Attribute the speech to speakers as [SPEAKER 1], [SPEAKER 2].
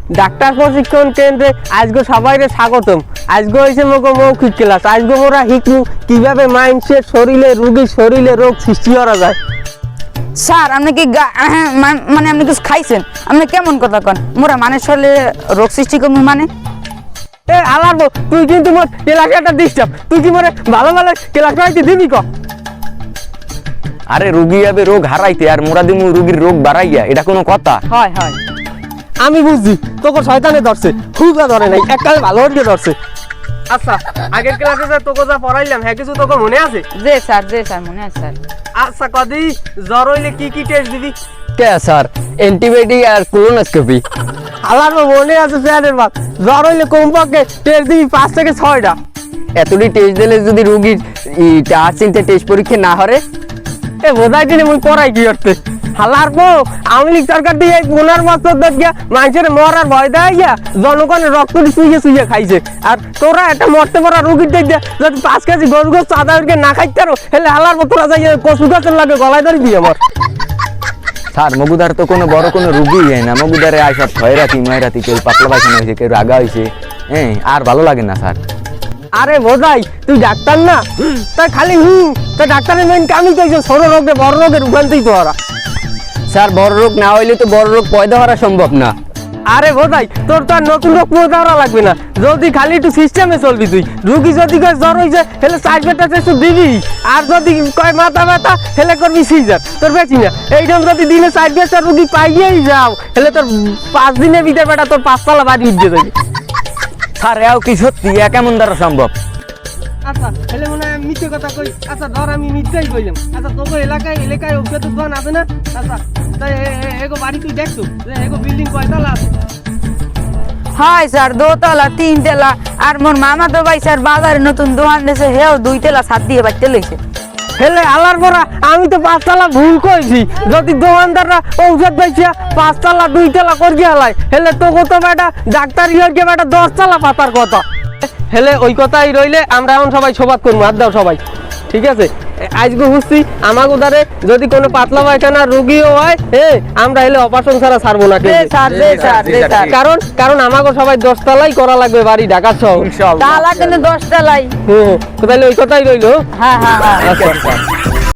[SPEAKER 1] Doctor প্রশিক্ষণ কেন্দ্রে আজকে সবাইকে স্বাগতম। আজকে হয়েছে মোকে মৌখিক ক্লাস। আজকে মোরা শিখবো কিভাবে মানুষের শরীরে রোগীর শরীরে রোগ সৃষ্টি করা যায়।
[SPEAKER 2] স্যার আপনি কি মানে আপনি কিছু খাইছেন? আপনি কেমন কথা কন? মোরা মানুষ শরীরে রোগ সৃষ্টি করবো মানে?
[SPEAKER 1] এ আলারবো, তুই কিন্তু মোর ক্লাসে একটা ডিস্টার্ব। তুই কি মোরে ভালো ভালো ক্লাস করাইতে দিবি ক?
[SPEAKER 3] আরে রুগী যাবে রোগ হারাইতে আর মোরা দিমু রুগীর রোগ বাড়াইয়া, এটা কোনো কথা?
[SPEAKER 2] হয় হয়
[SPEAKER 1] আমি বুঝছি তোকে শয়তানে ধরছে, হুজা ধরে নাই, এককালে ভালো হয়ে ধরছে। আচ্ছা, আগের ক্লাসে যে তোকে যা পড়াইলাম হ্যাঁ কিছু তোকে মনে আছে?
[SPEAKER 2] জি স্যার মনে আছে স্যার।
[SPEAKER 1] আচ্ছা কদি জ্বর হইলে কি কি টেস্ট দিবি?
[SPEAKER 3] কে স্যার? অ্যান্টিবায়োটিক আর কোলোনোস্কোপি।
[SPEAKER 1] আমার মনে আছে স্যারের বাপ, জ্বর হইলে কমপক্ষে টেস্ট দিবি 5 থেকে 6টা।
[SPEAKER 3] এতটি টেস্ট দিলে যদি রুগীর 4-3টে টেস্ট পরীক্ষা না হরে?
[SPEAKER 1] এ বোঝাই দিলে মুই পড়াই কি করতে হালার পো আওয়ামী লীগ সরকার দিয়ে 15 বছর দেখিয়া মানুষের মরার ভয় দেয় গিয়া জনগণের রক্ত শুয়ে খাইছে। আর তোরা একটা মরতে পড়া রুগীর দেখে যদি 5 কেজি গরু গোস আদা না খাইতে পারো হেলে হালার পর তোরা যাই কচু গাছের লাগে গলায় ধরে দিয়ে আমার।
[SPEAKER 3] স্যার মগুদার তো কোনো বড় কোনো রুগী হয় না, মগুদারে আইসব ছয়রাতি ময়রাতি, কেউ পাতলা পায়খানা হয়েছে, কেউ রাগা হয়েছে, হ্যাঁ আর ভালো লাগে না স্যার।
[SPEAKER 1] আরে বোঝাই তুই ডাক্তার না, তাই খালি তা ডাক্তারের মেন কামই কইছে ছোট রোগে বড় রোগের উগানতেই তো ওরা।
[SPEAKER 3] স্যার বড় রোগ না হইলে তো বড় রোগ পয়দা হওয়া সম্ভব না।
[SPEAKER 1] আরে বোঝাই তোর তো আর নতুন রোগ পয়দা করা লাগবে না, যদি খালি একটু সিস্টেমে চলবি। তুই রুগী যদি কয় জ্বর হয়েছে হেলে 4 বেটা একটু দিবি, আর যদি কয় মাথা ব্যথা হেলে করবি সিজার, তোর বেশি না। এইরকম যদি দিনে 4 বেটা রুগী পাইয়েই যাও হেলে তোর 5 দিনের ভিতরে বেটা তোর 5 তলা বাড়ি উঠে যাবে।
[SPEAKER 3] স্যার এও কি সত্যি? এ কেমন দ্বারা সম্ভব?
[SPEAKER 1] আচ্ছা হেলে মনে হয় মিথ্যে কথা কই। আচ্ছা ধর আমি মিথ্যাই কইলাম। আচ্ছা তোকে এলাকায় ওষুধের দোকান আছে না? আচ্ছা তাই এগো বাড়ি তুই দেখছো এগো বিল্ডিং কয়তলা আছে?
[SPEAKER 2] হয় স্যার 2 তলা 3 তলা। আর মোর মামা তো ভাই স্যার বাজারে নতুন দোকান দিয়েছে, হেও 2 তলা ছাদ দিয়ে বাইতে লইছে।
[SPEAKER 1] হেলে আলার পরা আমি তো 5 তলা ভুল কইছি। যদি দোকানদাররা ঔষধ বেচিয়া 5 তলা 2 তলা করি হালাই হেলে তোকে তো বেটা ডাক্তার ইয়ে বেটা 10 তলা পাতার কথা। হেলে ওই কথাই রইলে আমরা এখন সবাই সোবাদ করবো, হাত দাও সবাই, ঠিক আছে? আজকে বুঝছি আমাকে উদারে যদি কোনো পাতলা পায়খানা রুগীও হয় আমরা হেলে অপারেশন ছাড়া ছাড়বো না। কারণ আমাকে সবাই 10 তলাই করা লাগবে বাড়ি ঢাকা শহর।
[SPEAKER 2] তালা কিন্তু 10 তলাই।
[SPEAKER 1] তাহলে ওই কথাই রইলো।
[SPEAKER 2] হ্যাঁ
[SPEAKER 3] আচ্ছা।